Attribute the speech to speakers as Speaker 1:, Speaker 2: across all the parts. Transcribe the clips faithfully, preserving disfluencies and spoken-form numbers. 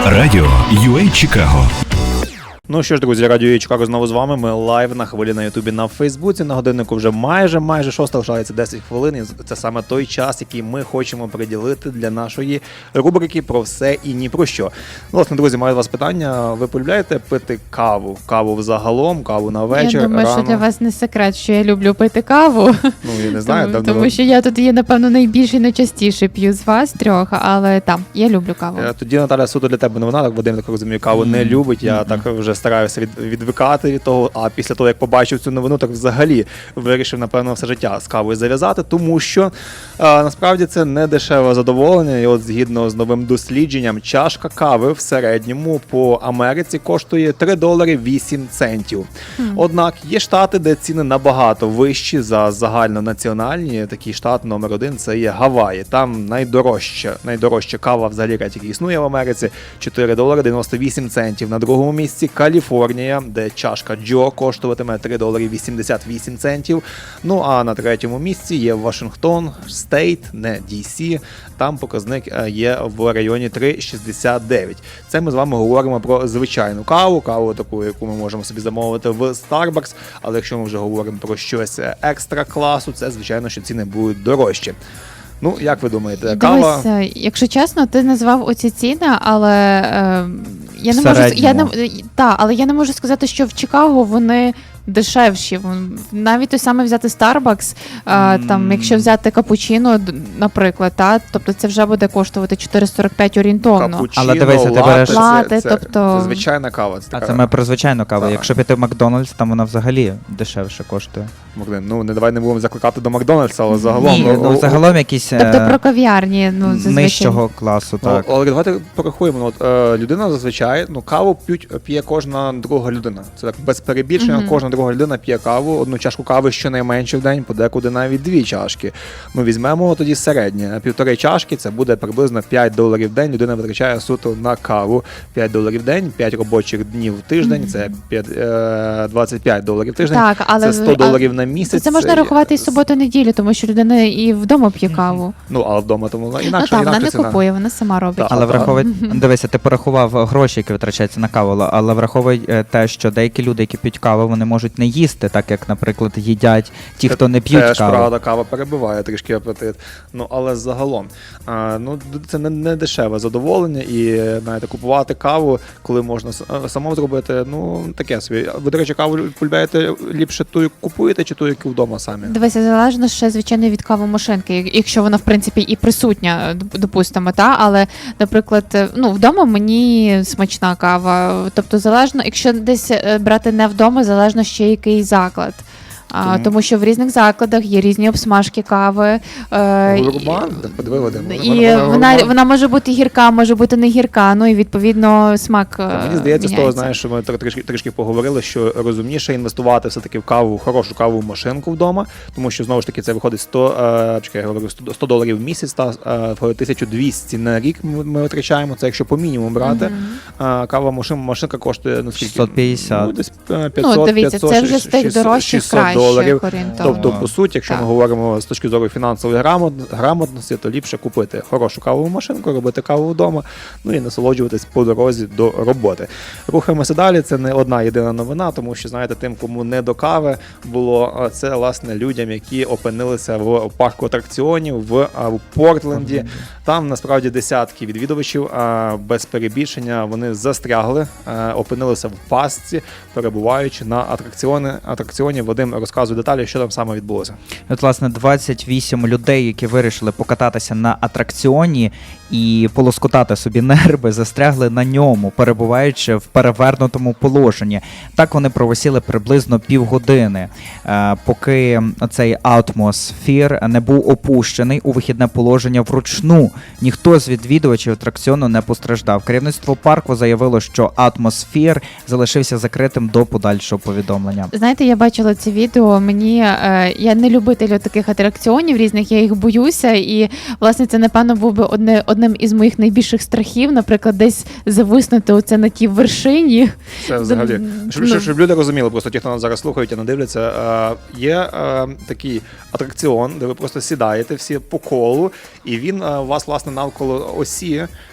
Speaker 1: Радіо ю ей Чикаго.
Speaker 2: Ну що ж, друзі, Радіо ю ей Чикаго знову з вами. Ми лайв на хвилі на Ютубі, на Фейсбуці. На годиннику вже майже, майже шоста, лишається десять хвилин. І це саме той час, який ми хочемо приділити для нашої рубрики «Про все і ні про що». Власне, друзі, маю до вас питання. Ви полюбляєте пити каву? Каву взагалом, каву на вечір,
Speaker 3: Я думаю,
Speaker 2: рано?
Speaker 3: що для вас не секрет, що я люблю пити каву.
Speaker 2: Ну, я не знаю.
Speaker 3: Тому,
Speaker 2: давно...
Speaker 3: тому що я тут є, напевно, найбільше і найчастіше п'ю з вас трьох, але там, я люблю каву.
Speaker 2: Тоді, Наталя, суто для тебе новина, так Вадим, так розумію, каву не любить. Я так вже стараюся від, відвикати від того, а після того, як побачив цю новину, так взагалі вирішив, напевно, все життя з кавою зав'язати, тому що а, насправді це не дешеве задоволення. І от згідно з новим дослідженням, чашка кави в середньому по Америці коштує три долари вісім центів. Mm. Однак є штати, де ціни набагато вищі за загальнонаціональні. Такий штат номер один – це є Гаваї. Там найдорожча, найдорожча кава взагалі, яка тільки існує в Америці, чотири долари дев'яносто вісім центів. На другому місці Каліфорнія, де чашка Джо коштуватиме три долари вісімдесят вісім центів. Ну а на третьому місці є Вашингтон, Стейт, не Ді Сі. Там показник є в районі три шістдесят дев'ять. Це ми з вами говоримо про звичайну каву, каву таку, яку ми можемо собі замовити в Starbucks. Але якщо ми вже говоримо про щось екстра класу, це звичайно, що ціни будуть дорожчі. Ну, як ви думаєте, кава?
Speaker 3: Дивись, якщо чесно, ти назвав оці ціни, але е, я не можу я не та, але я не можу сказати, що в Чикаго вони дешевші. Навіть той саме взяти Starbucks, mm. там, якщо взяти капучино, наприклад, та, тобто це вже буде коштувати чотири сорок п'ять орієнтовно.
Speaker 2: Капучино,
Speaker 4: але дивися, ти береш...
Speaker 3: лати,
Speaker 2: це,
Speaker 3: тобто...
Speaker 2: це звичайна кава. Це
Speaker 4: а це ми про звичайну каву.
Speaker 2: Так.
Speaker 4: Якщо піти в Макдональдс, там вона взагалі дешевше коштує.
Speaker 2: Ну, не давай не будемо закликати до Макдональдса, але загалом...
Speaker 4: Ні,
Speaker 2: ну,
Speaker 4: ну, загалом якісь...
Speaker 3: Тобто про кав'ярні, ну, зазвичай.
Speaker 4: Нижчого класу, так.
Speaker 2: Ну, але давайте порахуємо. От, е, людина зазвичай, ну, каву п'ють, п'є кожна друга людина. Це так без перебільшення, mm-hmm. кожна друга людина п'є каву, одну чашку кави щонайменше в день, подекуди навіть дві чашки. Ну, візьмемо тоді середнє. Півтори чашки, це буде приблизно п'ять доларів в день. Людина витрачає суто на каву. п'ять доларів в день, п'ять робочих днів в тиждень, mm-hmm. це двадцять п'ять доларів в тиждень,
Speaker 3: так, але,
Speaker 2: це сто доларів на місяць.
Speaker 3: Це можна рахувати і суботу-неділю, тому що людина і вдома п'є каву.
Speaker 2: Ну, але вдома тому вона інакше,
Speaker 3: ну, так,
Speaker 2: інакше
Speaker 3: вона
Speaker 2: ціна.
Speaker 3: не купує, вона сама робить.
Speaker 2: Так,
Speaker 4: але
Speaker 2: так.
Speaker 4: враховуй, дивися, ти порахував гроші, які витрачаються на каву, але враховуй те, що деякі люди, які п'ють каву, вони можуть не їсти, так як, наприклад, їдять ті, хто не п'ють
Speaker 2: Теж,
Speaker 4: каву.
Speaker 2: правда, кава перебиває трішки апетит. Ну, але загалом, а, ну, це не, не дешеве задоволення, і, знаєте, купувати каву, коли можна самому зробити, ну, таке собі. Ви, до речі, каву полюбляєте ліпше ту, яку купуєте, чи ту, яку вдома самі?
Speaker 3: Дивися, залежно ще, звичайно, від кавомашинки, якщо вона, в принципі, і присутня, допустимо, та, але, наприклад, ну, вдома мені смачна кава, тобто залежно, якщо десь брати не вдома, залежно ще який заклад. А, тому... тому що в різних закладах є різні обсмажки кави. Е,
Speaker 2: Гурман? Подиви, Вадим.
Speaker 3: І вона, вона, вона може бути гірка, може бути не гірка, ну і відповідно смак
Speaker 2: Та, мені здається,
Speaker 3: міняється.
Speaker 2: з того, знаєш, що ми трішки, трішки поговорили, що розумніше інвестувати все-таки в каву, хорошу кавову машинку вдома, тому що, знову ж таки, це виходить сто, е, чекай, я говорю, сто доларів в місяць, та е, тисяча двісті на рік ми, ми витрачаємо, це якщо по мінімуму брати. Mm-hmm. Е, кава машин, машинка коштує, ну, скільки?
Speaker 4: шістсот п'ятдесят.
Speaker 2: Ну, десь п'ятсот,
Speaker 3: ну, дивіться,
Speaker 2: п'ятсот,
Speaker 3: це вже з тих дорожчих кращих
Speaker 2: доларів.
Speaker 3: орієнтовно.
Speaker 2: Тобто, по суті, якщо
Speaker 3: так.
Speaker 2: ми говоримо з точки зору фінансової грамотності, то ліпше купити хорошу кавову машинку, робити каву вдома, ну і насолоджуватись по дорозі до роботи. Рухаємося далі, це не одна єдина новина, тому що, знаєте, тим, кому не до кави було, це, власне, людям, які опинилися в парку атракціонів в, в Портленді. Там, насправді, десятки відвідувачів, без перебільшення, вони застрягли, опинилися в пастці, перебуваючи на атракціони, атракціоні. Вадим розказує деталі, що там саме відбулося.
Speaker 4: От, власне, двадцять вісім людей, які вирішили покататися на атракціоні і полоскотати собі нерви, застрягли на ньому, перебуваючи в перевернутому положенні. Так вони провисіли приблизно півгодини, поки цей атмосфер не був опущений у вихідне положення вручну. Ніхто з відвідувачів атракціону не постраждав. Керівництво парку заявило, що атмосфер залишився закритим до подальшого повідомлення.
Speaker 3: Знаєте, я бачила це відео, мені, е, я не любитель таких атракціонів різних, я їх боюся, і, власне, це, напевно, був би одне, одним із моїх найбільших страхів, наприклад, десь зависнути оце на тій вершині.
Speaker 2: Це взагалі. Щоб, щоб, щоб люди розуміли, просто ті, хто нас зараз слухають і не дивляться, е, є е, такий атракціон, де ви просто сідаєте всі по колу, і він е, у вас, власне, навколо осі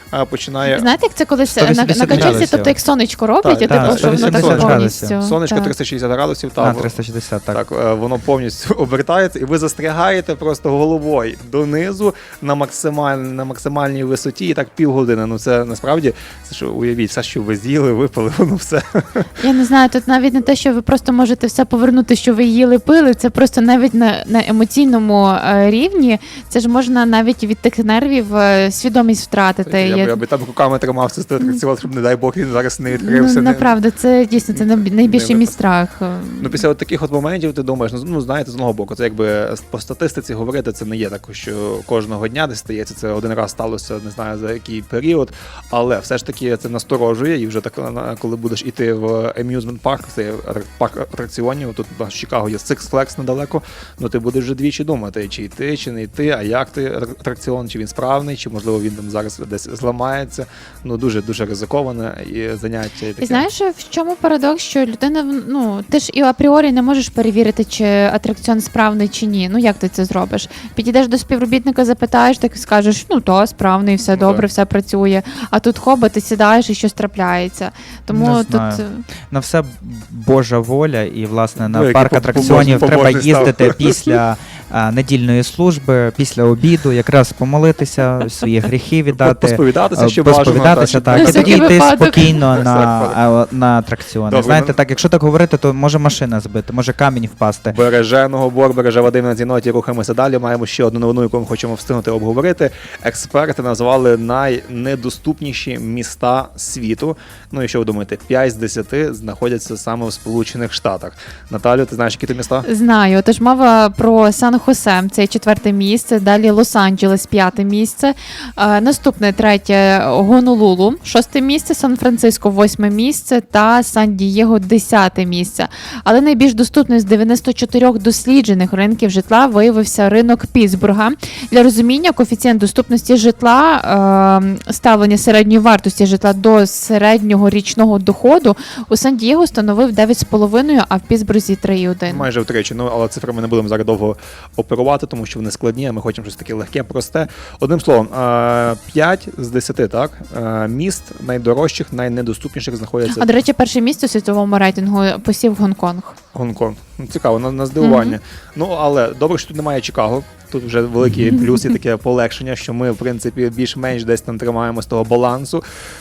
Speaker 2: а, починає
Speaker 3: Знаєте, як це колись
Speaker 4: сто
Speaker 3: на,
Speaker 4: вісімдесят
Speaker 3: на качельці,
Speaker 4: градусів.
Speaker 3: тобто як сонечко робить,
Speaker 2: Так,
Speaker 3: і
Speaker 2: так,
Speaker 3: типу, що воно так
Speaker 4: сто вісімдесят
Speaker 3: повністю.
Speaker 4: градусів.
Speaker 2: сонечко
Speaker 3: так.
Speaker 2: триста шістдесят градусів,
Speaker 4: А,
Speaker 2: там,
Speaker 4: триста шістдесят, так.
Speaker 2: так, е, воно повністю обертається, і ви застрягаєте просто головою донизу на, максималь, на максимальній висоті, і так півгодини. Ну це насправді, це що, уявіть, все, що ви з'їли, випили, воно все.
Speaker 3: Я не знаю, тут навіть не те, що ви просто можете все повернути, що ви їли, пили, це просто навіть на, на емоційному е, рівні, це ж можна навіть від тих нервів е, свідомість втратити.
Speaker 2: Я,
Speaker 3: Я-
Speaker 2: б, я би там руками тримався з атракціон, щоб, не дай Бог, він зараз не
Speaker 3: ну,
Speaker 2: відкрився. не-
Speaker 3: направду, це дійсно це най- найбільший
Speaker 2: не
Speaker 3: мій страх.
Speaker 2: Ну, після от таких от моментів ти думаєш, ну, ну знаєте, з одного боку, це якби по статистиці говорити, це не є так, що кожного дня десь стається, це один раз сталося, не знаю за який період, але все ж таки це насторожує, і вже так, на- коли будеш іти в amusement парк, це атра- парк атракціонів, тут в Чикаго є Six Flags недалеко, ну ти будеш вже двічі думати, чи йти, чи не йти, а як ти атракціон, чи він справний, чи можливо він там зараз десь зламається. Ну дуже-дуже ризиковане і заняття. І таке.
Speaker 3: І знаєш, в чому парадокс, що людина, ну, ти ж і апріорі не можеш перевірити, чи атракціон справний чи ні. Ну як ти це зробиш? Підійдеш до співробітника, запитаєш, так і скажеш, ну то справний, все
Speaker 2: Ну,
Speaker 3: добре,
Speaker 2: так.
Speaker 3: все працює. А тут хоба, ти сідаєш і щось трапляється. Тому
Speaker 4: Не
Speaker 3: тут
Speaker 4: знаю. На все Божа воля, і власне на
Speaker 2: Ну, який
Speaker 4: парк
Speaker 2: по-
Speaker 4: атракціонів
Speaker 2: побожний-
Speaker 4: треба
Speaker 2: побожний став.
Speaker 4: їздити після а, недільної служби, після обіду, якраз помолитися, свої гріхи віддати.
Speaker 2: Посповідатися
Speaker 4: а,
Speaker 2: ще бажано.
Speaker 4: Посповідатися,
Speaker 2: так,
Speaker 4: так, і
Speaker 3: На
Speaker 4: тоді
Speaker 3: всякий
Speaker 4: йти
Speaker 3: випадок.
Speaker 4: спокійно
Speaker 2: На
Speaker 4: на,
Speaker 2: всякий
Speaker 4: а, на атракціони.
Speaker 2: Добре,
Speaker 4: Знаєте,
Speaker 2: ну-
Speaker 4: так, якщо так говорити, то може машина збити, може камінь впасти.
Speaker 2: Береженого Бор, береже Вадим на цій ноті, рухаємося далі. Маємо ще одну новину, яку ми хочемо встигнути обговорити. Експерти назвали найнедоступніші міста світу. Ну і що ви думаєте, п'ять з десяти знаходяться саме в Сполучених Штатах. Наталю, ти знаєш, які ти міста?
Speaker 3: знаю. Тож мова про Сан-Хосе, це четверте місце, далі Лос-Анджелес, п'яте місце, е, наступне третє Гонолулу, шосте місце, Сан-Франциско, восьме місце та Сан-Дієго, десяте місце. Але найбільш доступним з дев'яноста чотирьох досліджених ринків житла виявився ринок Пітсбурга. Для розуміння, коефіцієнт доступності житла, е, ставлення середньої вартості житла до середнього річного доходу у Сан-Дієго становив дев'ять з половиною, а в Пітсбурзі три цілих один.
Speaker 2: Майже втричі. Ну, але цифрами не будемо зараз довго оперувати, тому що вони складні, а ми хочемо щось таке легке, просте. Одним словом, е, п'ять з десяти, так? Е, Міст найдорожчих, найнедоступніших знаходяться
Speaker 3: А, до речі, перше місце у світовому рейтингу посів Гонконг.
Speaker 2: Гонконг. Ну, цікаво, на, на здивування.
Speaker 3: Мгм.
Speaker 2: Ну, але добре, що тут немає Чикаго. Тут вже великий плюс і таке полегшення, що ми, в принципі, більш-менш десь там тримаємо з того балансу.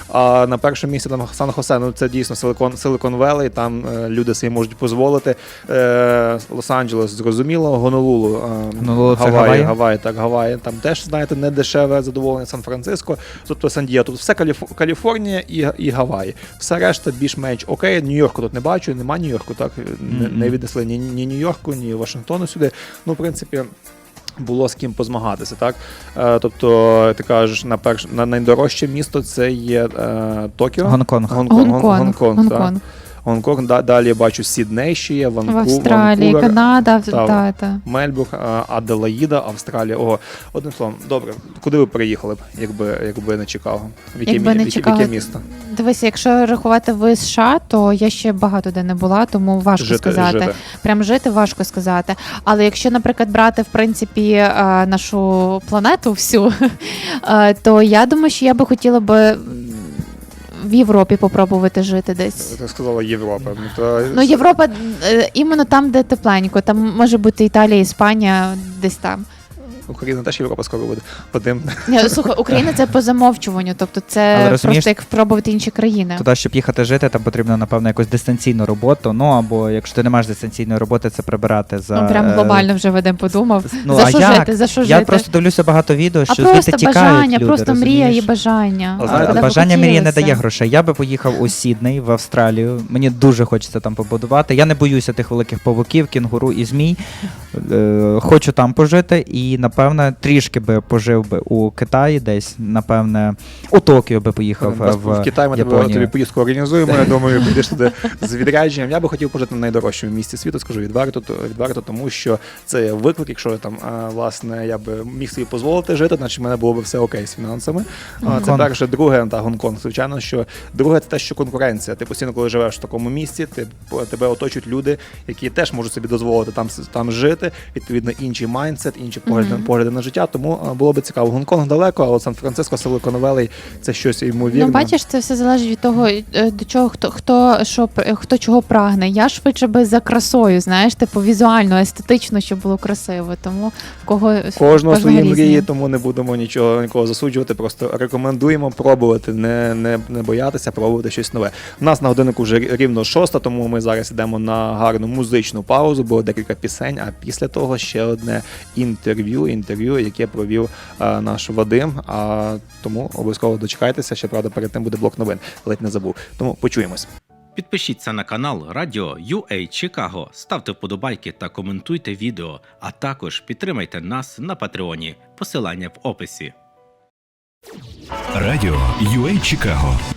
Speaker 2: А на першому місці там Сан-Хосе, ну це дійсно Силикон, Силикон Велей, там е, люди собі можуть дозволити. Е, Лос-Анджелес, зрозуміло, Гонолулу, е,
Speaker 4: Гонолулу це
Speaker 2: Гаваї,
Speaker 4: Гаваї?
Speaker 2: Гаваї, так, Гаваї, там теж, знаєте, не дешеве задоволення, Сан-Франциско, тобто Сан-Дієго, тут все Каліф- Каліфорнія і, і Гаваї. Все решта більш-менш окей, Нью-Йорку тут не бачу, нема Нью-Йорку, так, не, не віднесли ні, ні Нью-Йорку, ні Вашингтону сюди, ну, в принципі, було з ким позмагатися, так? Е, тобто, ти кажеш, на перш на найдорожче місто це є е, Токіо.
Speaker 4: Гонконг.
Speaker 2: Гонконг.
Speaker 3: Гонконг.
Speaker 2: Гонконг,
Speaker 3: Гонконг.
Speaker 2: так. Гонконг. Да, далі я бачу Сідней ще є,
Speaker 3: В
Speaker 2: Ванку,
Speaker 3: Австралії,
Speaker 2: Ванкувер,
Speaker 3: Канада,
Speaker 2: та,
Speaker 3: та, та.
Speaker 2: Мельбурн, е, Аделаїда, Австралія. Ого, одним словом, добре. Куди ви приїхали б, якби, якби не Чикаго? В яке,
Speaker 3: Якби
Speaker 2: мі-
Speaker 3: не
Speaker 2: в яке, в
Speaker 3: Чикаго.
Speaker 2: яке місто?
Speaker 3: Дивися, якщо рахувати в США, то я ще багато де не була, тому важко
Speaker 2: Жити,
Speaker 3: сказати.
Speaker 2: жити.
Speaker 3: Прям жити важко сказати. Але якщо, наприклад, брати в принципі е, нашу планету всю, е, то я думаю, що я би хотіла би м, в Європі попробувати жити десь.
Speaker 2: Ти сказала Європа. Ну, то...
Speaker 3: Ну, Європа е, іменно там, де тепленько. Там може бути Італія, Іспанія, десь там.
Speaker 2: Україна теж Європа скоро буде. Вадим.
Speaker 3: Ні, слухай, Україна це по замовчуванню, тобто
Speaker 4: Але
Speaker 3: це
Speaker 4: розумієш,
Speaker 3: просто як спробувати інші країни.
Speaker 4: Туди, щоб їхати жити, там потрібно, напевно, якусь дистанційну роботу. Ну або якщо ти не маєш дистанційної роботи, це прибирати за
Speaker 3: Ну, прям
Speaker 4: е,
Speaker 3: глобально вже Вадим подумав.
Speaker 4: Ну,
Speaker 3: за
Speaker 4: а
Speaker 3: що
Speaker 4: як?
Speaker 3: жити, за що
Speaker 4: Я
Speaker 3: жити?
Speaker 4: просто дивлюся багато відео,
Speaker 3: А
Speaker 4: що
Speaker 3: просто
Speaker 4: звідти тікають
Speaker 3: бажання,
Speaker 4: люди,
Speaker 3: просто мрія і
Speaker 4: розумієш?
Speaker 3: бажання.
Speaker 2: А
Speaker 3: А
Speaker 2: знаєте,
Speaker 3: коли б
Speaker 4: Бажання мрії не
Speaker 3: хотілося.
Speaker 4: дає грошей. Я би поїхав у Сідней, в Австралію. Мені дуже хочеться там побудувати. Я не боюся тих великих павуків, кінгуру і змій. Е, хочу там пожити і, напевне, трішки би пожив би у Китаї десь, напевне, у Токіо би поїхав
Speaker 2: Нас
Speaker 4: в,
Speaker 2: в Китай ми тебе,
Speaker 4: Японію.
Speaker 2: тобі поїздку організуємо. Я думаю, підеш туди з відрядженням. Я би хотів пожити на найдорожчому місці світу, скажу відверто, то- відверто, тому що це є виклик. Якщо я там а, власне я би міг собі дозволити жити, значить в мене було б все окей з фінансами. А, Це
Speaker 4: Гонконг.
Speaker 2: перше, друге, та Гонконг, звичайно, що друге це те, що конкуренція. Ти постійно, коли живеш в такому місці, ти тебе оточують люди, які теж можуть собі дозволити там с- там жити. Відповідно, інший майндсет, інші погляди
Speaker 3: Мгм.
Speaker 2: погляди на життя, тому а, було би цікаво. Гонконг далеко, а от Сан-Франциско, Силикон Валлей – це щось ймовірне.
Speaker 3: Ну, бачиш, це все залежить від того, е, до чого хто хто що пр- хто чого прагне. Я швидше би за красою, знаєш, типу візуально, естетично, щоб було красиво. Тому в кого
Speaker 2: Кожного свої
Speaker 3: різні.
Speaker 2: мрії, тому не будемо нічого нікого засуджувати. Просто рекомендуємо пробувати, не, не, не боятися, пробувати щось нове. У нас на годиннику вже рівно шоста, тому ми зараз йдемо на гарну музичну паузу, бо декілька пісень. А після того ще одне інтерв'ю, інтерв'ю, яке провів а, наш Вадим. А тому обов'язково дочекайтеся. Ще правда, перед тим буде блок новин. Ледь не забув. Тому почуємось.
Speaker 5: Підпишіться на канал Радіо ю ей Чикаго, ставте вподобайки та коментуйте відео, а також підтримайте нас на Патреоні. Посилання в описі.
Speaker 1: Радіо ю ей Чикаго